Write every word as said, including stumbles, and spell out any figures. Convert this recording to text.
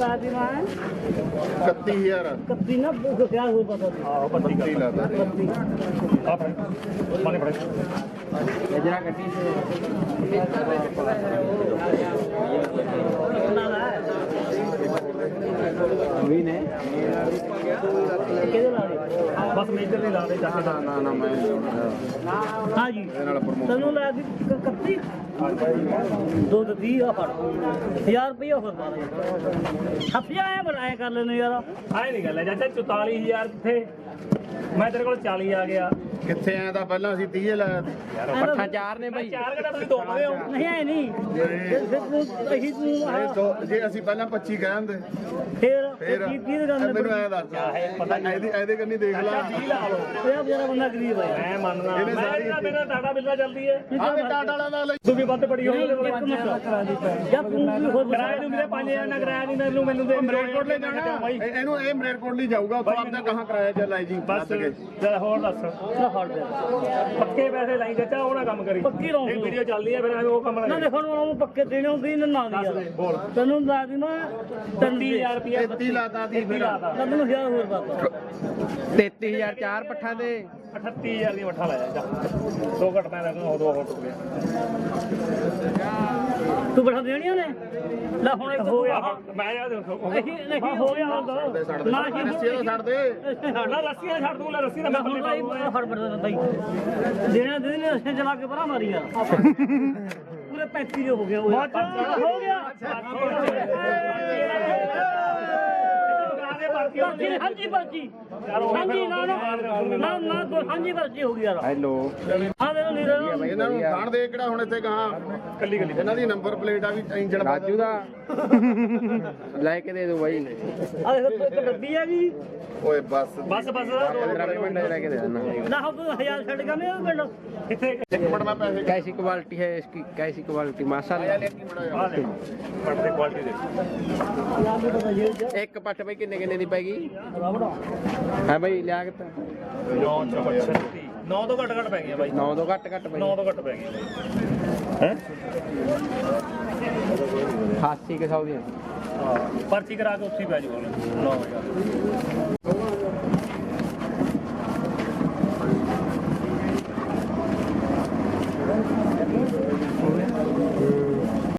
साथ ही मैं इकतीस हजार कत्ती ना क्या हुआ पता नहीं ਆਹੋ ਪੱਤੀ ਕਰ लाता है कत्ती ਆ ਫੜ ਮਾਨੇ ਫੜ गजरा कट्टी से भी ने किधर ला ਬਸ ਮੇਜਰ ਦੇ ਲਾ ਦੇ ਜਾ ਕੇ ना ना ना मैं हाँ जी तनु ला दी कत्ती दो तो दी आ फड़ हजार रुपया फिर पा दे हफिया है बनाया कर लेने यार ਆਏ ਨਹੀਂ ਗੱਲ ਹੈ ਚਾਚਾ ਚੁਤਾਲੀ ਹਜ਼ਾਰ ਕਿੱਥੇ ਮੈਂ ਤੇਰੇ ਕੋਲ ਚਾਲੀ ਆ ਗਿਆ कितने आया था पहला ਅਸੀਂ तीस लाया था ਯਾਰ ਪੱਠਾ ਚਾਰ ਨੇ ਬਾਈ ਚਾਰ ਕਿਹੜਾ ਤੁਸੀਂ ਦੋ ਮੰਗਦੇ ਹੋ नहीं है नहीं फिर फिर तू अही तू ਇਹ ਦੋ ਜੇ ਅਸੀਂ ਪਹਿਲਾਂ ਪੱਚੀ ਕਹਿੰਦੇ फिर ਫੇਰ की की गल ਮੈਨੂੰ ਐ ਦੱਸ ਪਤਾ ਨਹੀਂ ਇਹਦੀ ਇਹਦੇ ਕੰਨੀ ਦੇਖ ਲਾ ਵੀਹ ਲਾ ਲਓ यार बेचारा बंदा गरीब है ਮੈਂ ਮੰਨਣਾ ਇਹਨੇ ਮੈਂ ਸਾਰੀ- ਜਿਹੜਾ ਮੇਰਾ ਟਾਟਾ ਬਿੱਲਾ ਚੱਲਦੀ ਹੈ ਆਹ ਵੀ ਟਾਟਾ ਵਾਲਾ ਦਾ ਲਈ ਤੂੰ ਵੀ ਵੱਧ ਪੜੀ ਹੋਣੀ एक मिनट या तू भी खुद ਕਿਰਾਏ ਨੂੰ ਮੇਰੇ ਪੰਜ ਹਜ਼ਾਰ ਨਾ ਕਿਰਾਇਆ ਨਹੀਂ ਮੈਨੂੰ ਮੈਨੂੰ ਦੇ ਮਰੇਟਕੋਟ ਲੈ ਜਾਣਾ ਬਾਈ ਇਹ- ਇਹਨੂੰ ਇਹ ਮਰੇਟਕੋਟ ਲਈ ਜਾਊਗਾ ਉੱਥੋਂ ਆਪਦਾ ਕਹਾਂ ਕਰਾਇਆ ਚੱਲ ਆਈ ਜੀ ਬਸ ਜਰਾ ਹੋਰ ਦੱਸ ना हट दे ਪੱਕੇ ਪੈਸੇ ਲਾਈ ਚਾਚਾ ਉਹ ਨਾ ਕੰਮ ਕਰੀ ਪੱਕੀ ਰਹੂੰ ਇਹ ਵੀਡੀਓ ਚੱਲਦੀ ਹੈ ਫਿਰ ਐਵੇਂ ਉਹ ਕੰਮ ना ਨਾ देखो ना पक्के देने होंगे ना ना दिया ਬੋਲ तनु ला दी ना ਤੀਹ ਹਜ਼ਾਰ ਰੁਪਇਆ ਤੇਤੀ ਲਾਤਾ ਦੀ ਫਿਰ तनु हजार और बाबा ਤੇਤੀ ਹਜ਼ਾਰ ਚਾਰ ਪੱਠਾ ਦੇ ਅਠੱਤੀ ਹਜ਼ਾਰ ਦੀ ਮੱਠਾ ਲਾਇਆ ਜਾ ਦੋ ਘਟ ਮੈਂ ਰੱਖਣਾ ਉਹ ਦੋ ਹੋਰ ਟੁੱਟ ਗਿਆ तू बैठा देनी ने ला हुन एक ਹੋ ਗਿਆ ਮੈਂ ਯਾਰ ਦੇਖੋ नहीं नहीं हो गया ਛੱਡ ਦੇ ना ਛੱਡ ही ਦੇ ਰੱਸੀ ਦਾ ਛੱਡ ਦੇ ਨਾ ਰੱਸੀਆਂ ਛੱਡ ਦੂੰ ਲੈ ਰੱਸੀ ਦਾ ਮੈਂ मैं ਥੱਲੇ हुन ਪਾਉਂਗਾ फड़ पड़ता भाई देना देने ऐसे चला के परा मारी यार पूरे पैंतीस हो गया वो हो गया पर्ची हाँ जी पर्ची हाँ जी ना ना ना ना हाँ जी पर्ची हो गई यार ਹੈਲੋ हाँ देखो नहीं देखो ਇਹਨਾਂ ਨੂੰ ਖਾਣ ਦੇ ਕਿਹੜਾ ਹੁਣ ਇੱਥੇ ਗਾਂ ਕੱਲੀ ਕੱਲੀ ਇਹਨਾਂ ਦੀ ਨੰਬਰ ਪਲੇਟ ਆ ਵੀ ਇੰਜਣ ਰਾਜੂ ਦਾ ਲੈ ਕੇ ਦੇ ਦੋ ਬਾਈ आ देखो तो एक डब्बी है जी ਓਏ ਬਸ ਬਸ ਬਸ ਪੰਦਰਾਂ ਮਿੰਟ ਲੈ ਕੇ दे देना ना हो तो हजार छड़ का नहीं पिंड ਕਿੱਥੇ ਇੱਕ ਮਿੰਟ ਮੈਂ ਪੈਸੇ कैसी क्वालिटी है इसकी कैसी क्वालिटी माशाल्लाह ਆ ਲੈ ਪੜਦੇ ਕੁਆਲਿਟੀ ਦੇ ਇੱਕ ਪੱਠ ਬਈ ਕਿੰਨੇ ਕਿੰਨੇ ਦੀ ਪੈਗੀ ਹੈ ਬਈ ਲਿਆਕਤ ਨੌ ਛੱਤੀ ਨੌ ਤੋਂ ਘੱਟ ਘੱਟ ਪੈ ਗਈਆਂ ਬਾਈ ਨੌ ਤੋਂ ਘੱਟ ਘੱਟ ਬਈ ਨੌ ਤੋਂ ਘੱਟ ਪੈ ਗਈਆਂ ਹੈ ਅਠਾਸੀ ਕੇ ਸੌ ਦੀਆਂ ਪਰਚੀ ਕਰਾ ਕੇ ਉੱਥੇ ਹੀ ਪੈ ਜੂਗਾ ਨੌ ਹਜ਼ਾਰ